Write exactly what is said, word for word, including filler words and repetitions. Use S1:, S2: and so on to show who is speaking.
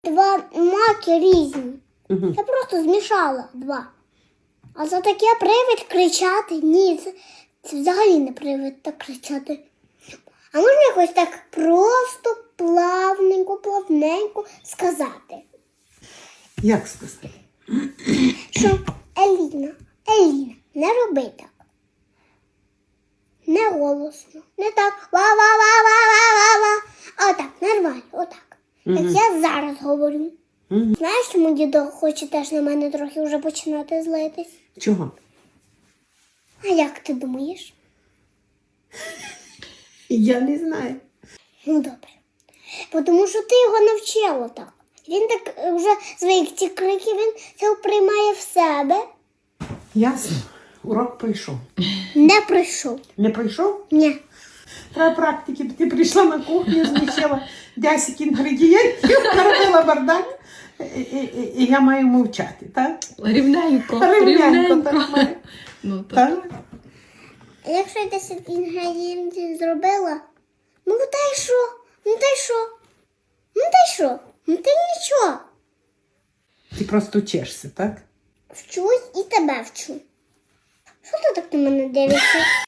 S1: Два маки різні.
S2: Угу.
S1: Я просто змішала два. А за таке привид кричати? Ні, це, це взагалі не привид так кричати. А можна якось так просто, плавненько, плавненько сказати?
S2: Як сказати?
S1: Що, Еліна, Еліна, не роби так. Не голосно, не так ва-ва-ва-ва-ва-ва-ва. А отак, нормально, отак. Як
S2: Мгм.
S1: я зараз говорю.
S2: Мгм.
S1: Знаєш, чому дідо хоче теж на мене трохи вже починати злитись?
S2: Чого?
S1: А як ти думаєш?
S2: Я не знаю.
S1: Ну добре. Бо тому що ти його навчила так. Він так е, вже звик ці крики, він це приймає в себе.
S2: Ясно. Урок пройшов.
S1: Не прийшов.
S2: Не пройшов?
S1: Ні.
S2: Треба практики. Ти прийшла на кухню, знищила десять інгредієнтів, наробила бардак, і, і, і, і я маю мовчати, так?
S3: Рівненько,
S2: Рівненько,
S3: рівненько.
S2: так маю.
S3: Ну, так.
S2: Так?
S1: А якщо я десять інгредієнтів зробила, ну та й що? Ну та й що? Ну та й що? Ну та й нічого.
S2: Ти просто вчишся, так?
S1: Вчусь і тебе вчу. Що ти так на мене дивишся?